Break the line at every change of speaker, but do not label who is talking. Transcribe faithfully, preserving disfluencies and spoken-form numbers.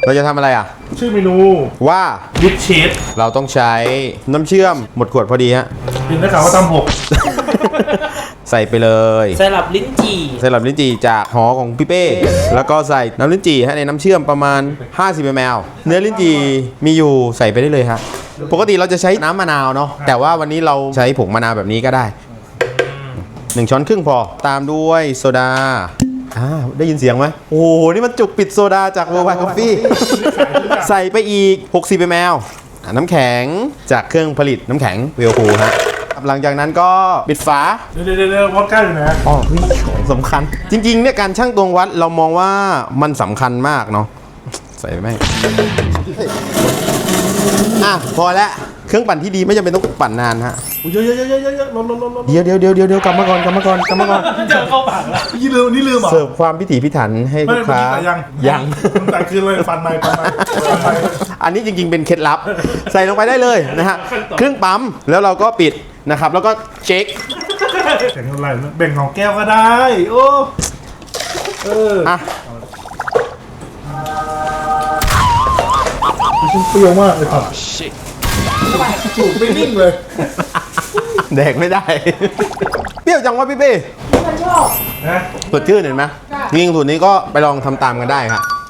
เราจะทำอะไรอ่ะ
ชื่อเมนู
ว่า
วิดเชด
เราต้องใช้น้ำเชื่อมหมดขวดพอดีฮะ
กินได้ข่าวว่าทำหก
ใส่ไปเลย
สลับลิ้นจี่
สลับลิ้นจี่จากหอของพี่เป้แล้วก็ใส่น้ำลิ้นจี่ฮะในน้ำเชื่อมประมาณห้าสิบมิลลิลิตร เนื้อลิ้นจี่มีอยู่ใส่ไปได้เลยฮะปกติเราจะใช้น้ำมะนาวเนาะแต่ว่าวันนี้เราใช้ผงมะนาวแบบนี้ก็ได้หนึ่งช้อนครึ่งพอตามด้วยโซดาอ่าได้ยินเสียงไหมโอ้โหนี่มันจุกปิดโซดาจาก Worldwide Coffee ใส่ไปอีกหกสิบมิลลิลิตร น้ำแข็งจากเครื่องผลิตน้ำแข็งเวลคูฮะหลังจากนั้นก็ปิดฝา
เดี๋ยวเดี๋ยวเดี๋ยววอดก้าอยู่นะ
อ๋อของสำคัญจริงๆเนี่ยการชั่งตวงวัดเรามองว่ามันสำคัญมากเนาะใส่ไหมอ่ะพอแล้วเครื่องปั่นที่ดีไม่จำเป็นต้องปั่นนานฮะ
เยอะเยอะเยอะเยอะเยอะลดลดลดลด
เดี๋ยวเดี๋ยวเดี๋ยวเดี๋ยวกลับมาก่อนกลับมาก่อนกลับมาก่อน
เจอเข้าปากแล้วนี่ลืมนี่ลืมเหรอ
เสิร์ฟความพิถีพิถันให้ลูกค้า
ยัง
ยัง
แต่คือเลยฟันในฟันในฟันใน
อันนี้จริงๆเป็นเคล็ดลับใส่ลงไปได้เลยนะฮะเครื่องปั๊มแล้วเราก็ปิดนะครับแล้วก็เช็ค
แข่งอะไรแบ่งของแก้วก็ได้โอ้เอออ่ะมันเปรี้ยวมากเลยครับจูบไม่นิ่งเลย
แดกไม่ได้เปรี้ยวจังวะพี่เป้
ฉันชอบ
นะ
สดชื่นเห็นไหมจริงๆสูตรนี้ก็ไปลองทำตามกันได้ครับ